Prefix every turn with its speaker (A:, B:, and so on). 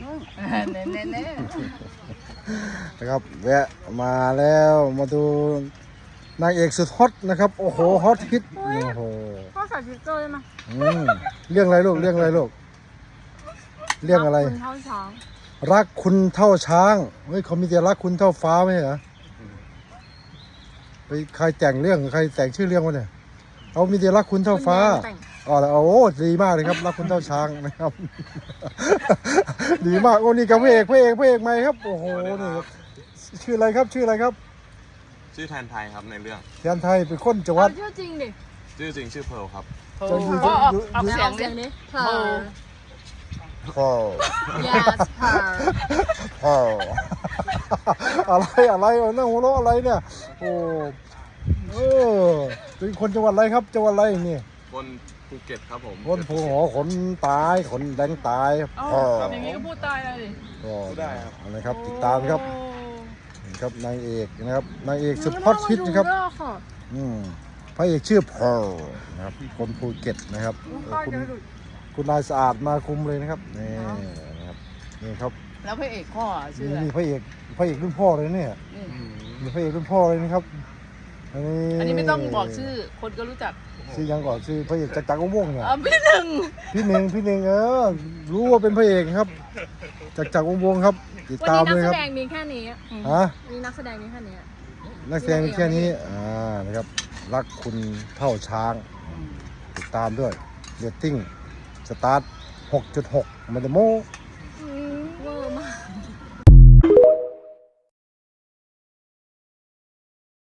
A: เน่ๆ
B: นะครับแวะมาแล้วมาดูนางเอกสุดฮอตนะครับโอ้โหฮอตฮิตโอ้โห
A: พ่อใส่ฟิลเตอร์ได้ไหม
B: เรื่องอะไรลูกเรื่องอะไรลูกเรื่องอะไร
A: คุณเท่าช้าง
B: รักคุณเท่าช้างเฮ้ยเขามีแต่รักคุณเท่าฟ้าไหมเหรอไปใครแต่งเรื่องใครแต่งชื่อเรื่องวะเนี่ยเขามีแต่รักคุณเท่าฟ้าอ๋อแล้วโอ้ดีมากเลยครับรักคุณเท่าช้างนะครับ ดีมากโอ้นี่กับพระเอกใหม่ครับโอ้โหนี่ครับชื่ออะไรครับชื่ออะไรครับ
C: ชื่อแทนไทยครับในเรื่อง
B: แทนไทยเป็นคนจังหวัด
A: ชื่อจริงดิ
C: ชื่อจริงชื่อเพร์ลครับ
B: จะอยู่
A: พ่อ
B: อยู่
A: เอา
B: อยู่
A: เสียงนี้เธอ
B: พ่อ
A: yes her
B: พ่ออะไรเอาหน้าหัวเราะอะไรเนี่ยโอ้เป็นคนจังหวัดอะไรครับจังหวัดอะไรนี่
C: คนภูเก็ตครับผม
B: คนภูหอขนตายขนแดงตายพ่อ
A: อย่างนี้ก็พูดตายเลยดิ
B: ก็ได้ครับอะไรครับติดตามครับนี่ครับนางเอกนะครับนางเอกสุดฮอตฮิตนะครับพระเอกชื่อพอลนะครับคนภูเก็ตนะครับคุณนายสะอาดมาคุมเลยนะครับนี่นะครับนี่ครับ
A: แล้วพระเอกพ่อชื่ออะไร
B: นี่พระเอกรุ่นพ่อเลยเนี่ยนี่พระเอกรุ่นพ่อเลยนะครับ
A: อันนี้ไม่ต้องบอกชื่อคนก็รู้จัก
B: ชื่อยังก่อนชื่อพระเอกจักรวงศ์เนี่ย
A: พี่หนึ่ง
B: พี่หนึ่งรู้ว่าเป็นพระเอกครับจักรวงศ์ครับติด
A: วัน
B: ตาม
A: นี้
B: เลย
A: นัก
B: ครับ
A: แสดงมีแค่นี้
B: ฮะ
A: มีนักแสดงมีแค่นี้
B: นักแสดงแค่นี้นะครับรักคุณเท่าช้างติดตามด้วยเรตติ้งสตาร์ท 6.6 มันจะโม้